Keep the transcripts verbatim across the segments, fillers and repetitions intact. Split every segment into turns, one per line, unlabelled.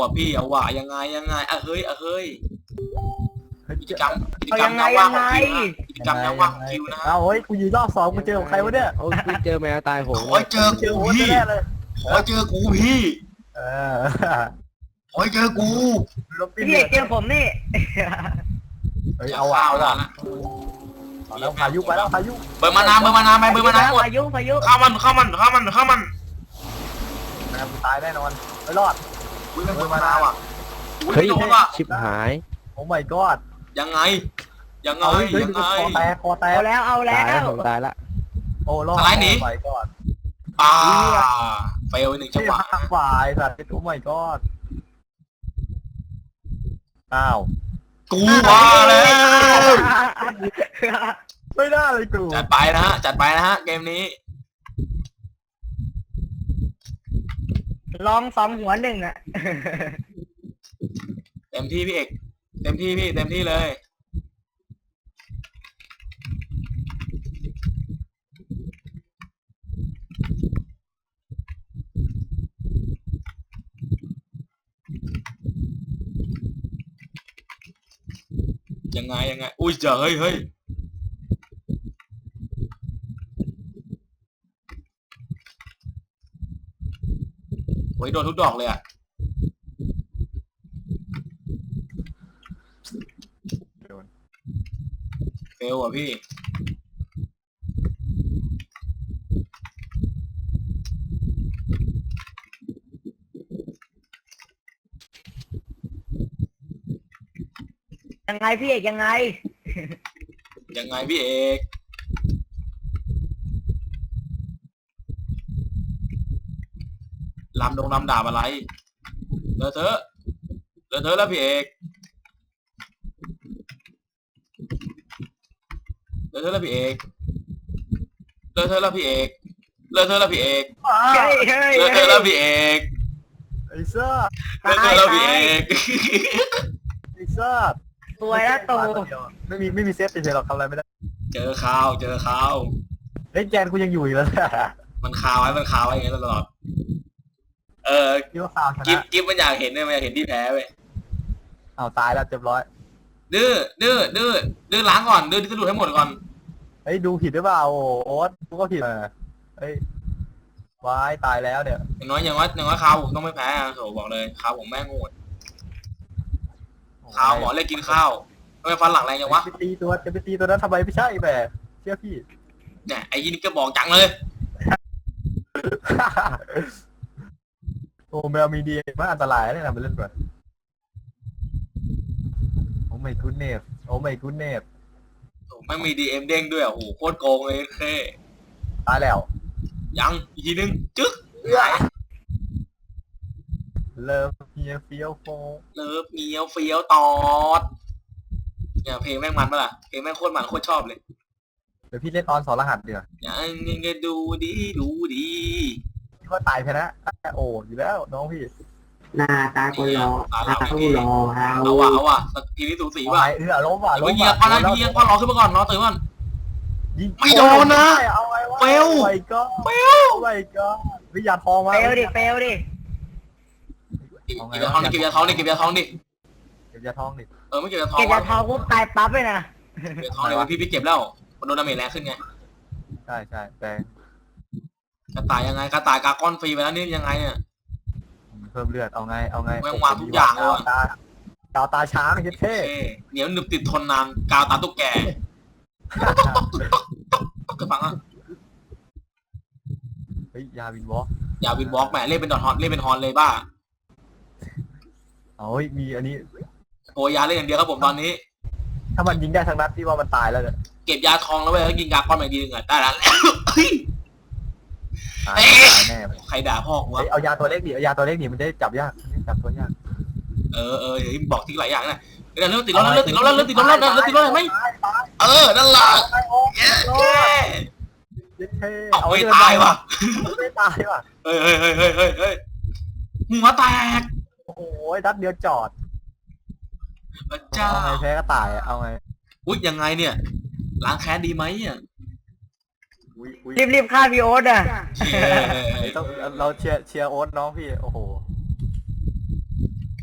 ว่ะพี่เอาว่ะยังไงยังไงอ่ะเฮ้ยอ่ะเฮ้ยกิจกรรมกิจ
เอา
กรร
ยั
ม
งไง
ยามว่าง
ยัง
ของ
ไง
คิวนะกิจกรรมยามว่างของคิวนะฮะ
เอาเฮ้ยกูยืนรอบสองกูเจอกับใครวะเนี่ย
โอ้ยเจอแมวตายโหง
โอ้ยเจอ
เจอ
กู
โอ๊ต
พี่
แน่เลย
โอ้ยเจอกูพี่
เออ
โอ้ยเจอกู
ลบปิ้น
พี่เอกเจอผมนี่
เฮ้ยเอาว่ะเอาว่ะ
ละ
เอาแล้วพายุไปแล้วพายุ
เบอร์มานาเบอร์มานาไปเบอร์มานาหมด
พายุพายุ
เข้ามันเข้ามันเข้ามันเข้ามัน
แม่งกูตายแน่นอนไม่รอด
อุ้ยเป็นเบอร์มานาว่ะอุ้ย
เฮ้ย
ไม่โดนว่ะ
ชิบหาย
โอ้ my god
ยังไงยังไง
เอาเฮ้ย
ยังไง
คอแตกคอแตก
เอาแล้วเอาแล้
ตายแล้ว
ว
ผมตายละ
โอ้รอด
อะไรหนี
โอ้ my god
อ่าเฟลหนึ่งจัง
ที่
หวะ
หักฝ่ายสัตว์โอ้ my god อ้าว
กูว่าแล้ว
ไม่ได้เลยกู
จัดไปนะฮะจัดไปนะฮะเกมนี้
ลองสองหัวหนึ่งอ่ะ
เต็มที่พี่เอกเต็มที่พี่เต็มที่เลยยังไงยังไงอุ้ยเจ๋อเฮ้ยเฮ้ยโอ้ยโดนทุกดอกเลยอะเฟลอ่ะพี่
ยังไงพี่เอกยังไง
ยังไงพี่เอกลำดงลำดาบอะไรเลอะเทอะเลอะเทอะแล้วพี่เอกเลอะเทอะแล้วพี่เอกเลอะเทอะแล้วพี่เอกเลอะเทอะแล้วพี่เอก
เฮ้ยเฮ้ย
เลอะเทอะแล้วพี่เอก
ไอ้ซ่า
เลอะเทอะแล้วพี่เอก
ไอ้ซ่า
สวยแล้วตู
ไม่มีไม่มีเซฟเฉยๆหรอกทำอะไรไม่ได้
เจอข่าวเจอข่าว
เล่นแกนกูยังอยู่อีกแล้วเนี่ย
มันข่าวไว้มันข่าวไว้อย่างเงี้ยตลอดเออ
คิดว่าข่าวช
กิฟ
นะ
กิฟมันอยากเห็นเนี่ยมันอยากเห็นที่แพ้เว้ย
เอาตายแล้วเรียบร้อย
ดื้อดื้อดื้อดื้อล้างก่อนดื้อที่สุดให้หมดก่อน
เฮ้ยดูผิดหรือเปล่าโอ้โอ๊ตกูก็ผิดเออเฮ้ยวายตายแล้วเนี่ย
อย่างน้อยอย่างน้อยอย่างน้อยข่าวผมต้องไม่แพ้อะโถบอกเลยข่าวผมแม่งโหดข่าวหมอเล่นกินข้าวทำไมฟันหลังแรงจังวะ
จะไปตีตัวจะไปตีตัวนั้นทำไมไม่ใช่แบบเชื่อพี่
เนี่ยไอ้ยี่นี่ก็บอกจังเลย
โอ้แมวมีดีมันอันตรายเนี่ยนะไปเล่นก่อนโอ้ไม่คุณเนฟโอ้ไม่คุณเนฟ
โถไม่มีดีเอ็มเด้งด้วยอ่ะโอ้โหโคตรโกงเลยเท่
ตายแล้ว
ยังอีกทีนึงจึ๊ก
เลิฟเฮียเฟียวโฟ
เลิฟเมียวเฟียวตอดเนี่ยเพลงแม่งมันปะล่ะเพลงแม่งโคตรมันโคตรชอบเลย
เดี๋ยวพี่เล่นออนสอนรหัสเดี๋ยว
อย่างนี้ก็ดูดีดูดี
พี่ก็ตายไปนะโอ้อยู่แล้วน้องพี่
หน้าตาก็รอตาก็รอเรา
เอาว่ะเอาว่ะทีนี้สูสี
เอา
ว่ะ
ไปเออล้มว่ะ
เดี๋ยว
ล้
ไป
ม
ยิงก่อนนะพี่ยิงก่อนรอขึ้นมาก่อนรอตื่นก่อน
ยิง
ไม่โดนนะ
เอาไว้วะ
เฟล
โอ้ my god
เฟล
โอ้ my god วิญญาณทองมา
เฟลดิเฟลดิ
เก็บยาทองดิเก็บยาทองดิเก็บยาทองดิ
เก็บยาทองดิ
เออไม่เก็บยาทอง
เก็บยาทองปุ๊บตายปั๊บเลยนะ
เก็บยาทองเดี๋ยวพี่พี่เก็บแล้วมันโดนดาเมจแรงขึ้นไง
ใช่ใช่แต่
กระต่ายยังไงกระต่ายกากอนฟรีไปแล้วนี่ยังไงเนี่ย
เพิ่มเลือดเอาไงเอาไง
แม่งวางทุกอย่างเลยว่ะ
ตาดาวตาช้างเย็ดเท่
เท่เหนียวหนึบติดทนนานกาวตาตุ๊กแกก็ฟังอ่ะ
เฮ้ยยาวินวอล์ก
อย่าวินบล็อกแหมเล่นเป็นดอทฮอนเล่นเป็นฮอนเลยบ้า
เอาเฮ้ยมีอันนี้
โอยาเล่นอย่างเดียวครับผมตอนนี้
ถ้ามันยิงได้ทั้งนัดที่ว่ามันตายแล้วเนี่ย
เก็บยาทองแล้วเว้ยแล้วกินกากอนใหม่ดีหนึ่งอ่ะได้แล้วเฮ้ย
ตายตายแน่เลย
ใครด่าพ่อกูวะ
เฮ้ยเอายาตัวเล็กดิเอายาตัวเล็กดิมันจะได้จับยากมันจะได้จับตัวยาก
เออเออเดี๋ยวบอกทิ้งหลายอย่างนะเดี๋ยวเริ่มติดล้อแล้วเริ่มติดล้อแล้วเริ่มติดล้อแล้วเริ่มติดล้อแล้วไหม
ตายตาย
เออนั่นแหละ
ตายโอ้
เย้
เย็ดเท่
เอาไม่ตายว่ะ
ไม่ตายว่ะ
เฮ้ยเฮ้ยเฮ้ยเฮ้ยเฮ้ยเฮ้ยหัวแตก
โอ้โหนัดเดียวจอด
พระเจ้า
เอาไงแพ้ก็ตายอะเอาไง
อุ๊ยยังไงเนี่ยล้างแค้นดีไหมอ่ะ
อุ้ยอุ้ย
รีบรีบฆ่าพี่โอ๊ตอ่ะ
เชี่ย
เฮ้ยต้องเราเชียร์เชียร์โอ๊ตน้องพี่โอ้โห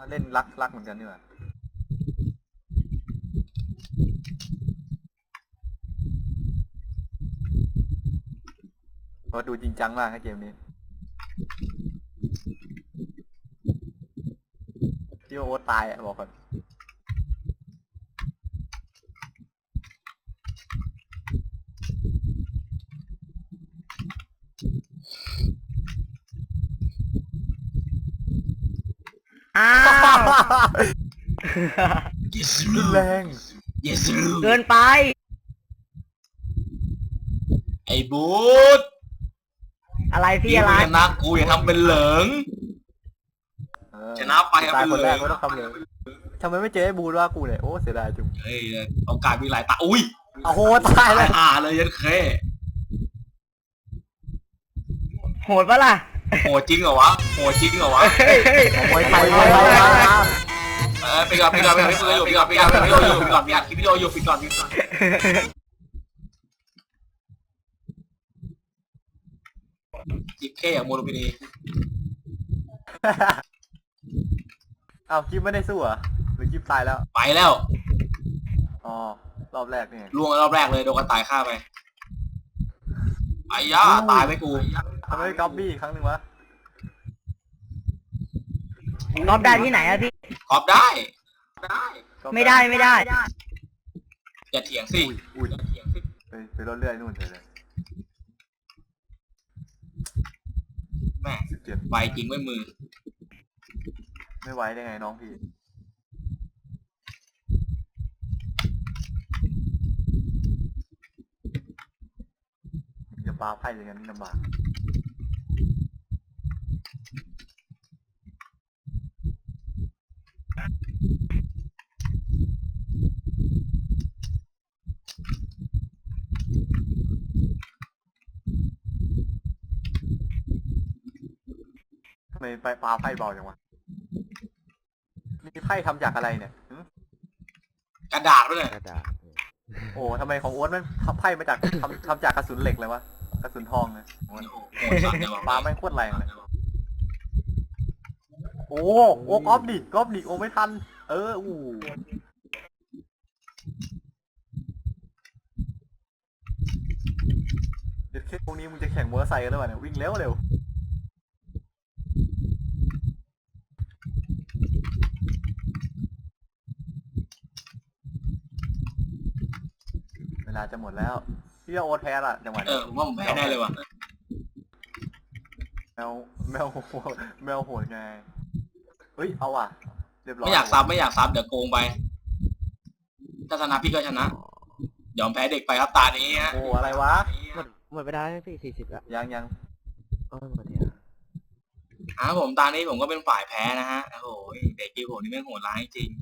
เล่นรักรักเหมือนกันนี่หว่าเพราะดูจริงจังมากนะเกมนี้ที่ว่าโอ๊ตตายอ่ะบอกก่อน
อ้าว
yes
รุนแรง
yes
เกินไป
ไอ้บูธ
อะไรพี่
พี่
อะไร
ชนะกูอย่าทำเป็นเหลิง
เออ
ชนะไปครับ
ตายคนแรก
ไปเลย
ก็ต้องทำเลยทำไมไม่เจอไอ้บูดว่ากูเนี่ยโอ้เสียดายจุง
เฮ้ยโอกาสมีหลายตาอุ้ย
โอ้โหตาย
ตา
แล้
ยว ห่าเลยยันเค
โหดปะล่ะ
โหดจริงเหรอวะโหดจริงเหรอวะ
โอ้ยไปไปไป
เออไปก่อนไปก่อนไปก่อนไปก่อนไปก่อนไปก่อนไปก่อนไปก่อนไปก่อนไปก่อนคลิปวิดีโออยู่ไปก่อนไปก่อนจิบแค่อย่างโมโนพินี
อ้าวกิ๊บไม่ได้สู้เหรอหรือกิ๊บตายแล้ว
ไปแล้ว
อ๋อรอบแรกนี่
ล่วงรอบแรกเลยโดนกระต่ายฆ่าไปไอ้ย่าตายไปกู
ทำไมไม่ก๊อปบี้อีกครั้งหนึ่งวะ
รอบได้ที่ไหนอะพี่
กอบได้ได้
ไม่ได้ไม่ได้
อย่าเถียงสิ
อุ้ยอุ้ย
อย่าเถียงสิ
ไปไปรถเรื่อยนู่นเลย
แม่
สิบเจ็ด
ใบจริงไว้มือ
ไม่ไหวได้ไงน้องพี่อย่าปาไพ่อย่างนั้นลำบากทำไมไปปาไพ่เบาจังวะนี่ไพ่ทำจากอะไรเนี่ยหึ
กระดาษด้วยเนี่ย
กระดาษ
โอ้ทำไมของโอ๊ตมันทำไพ่มาจากทำทำจากกระสุนเหล็กเลยวะกระสุนทองเลยโอ้ย
โอ้โหโหดสัตว์เลยว่ะ
ปาแม่งโคตรแรงเลยโอ้โอ้ก๊อฟดิก๊อฟดิโอ้ไม่ทันเอออู้เดี๋ยวแค่พวกนี้มึงจะแข่งมอเตอร์ไซค์กันหรือเปล่าเนี่ยวิ่งเร็วเร็วเวลาจะหมดแล้วพี่โอ๊ตแพ้ละจังหวะ
เอ
นี้
อผมว่าผมแพ้แน่เลยว่ะ
แมวแมวโหดแมวโหดไงเฮ้ยเอาว่ะเรียบร้อย
ไม่อยากซับไม่อยากซับเดี๋ยวโกงไปถ้าชนะพี่ก็ชนะยอมแพ้เด็กไปครับตานี้ฮะ
โอ้อะไรวะ
หมดหมดเวลาแล้วพี่สี่สิบละ
ยังยัง
เออหมดแล้ว
อ่าผมตานี้ผมก็เป็นฝ่ายแพ้นะฮะโอ้โหเด็กกีผมนี่แม่งโหดร้ายจริง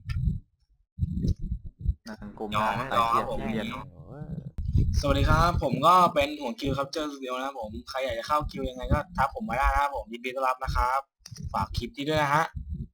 นางกลม
ยอม
นาง
ยอม
เทียน
ผม
เทียน
โอ้ย
สวัสดีครับผมก็เป็นห่วงคิวครับเจอสตูดิโอนะครับผมใครอยากจะเข้าคิวยังไงก็ทักผมมาได้นะครับผมยินดีต้อนรับนะครับฝากคลิปที่ด้วยนะฮะ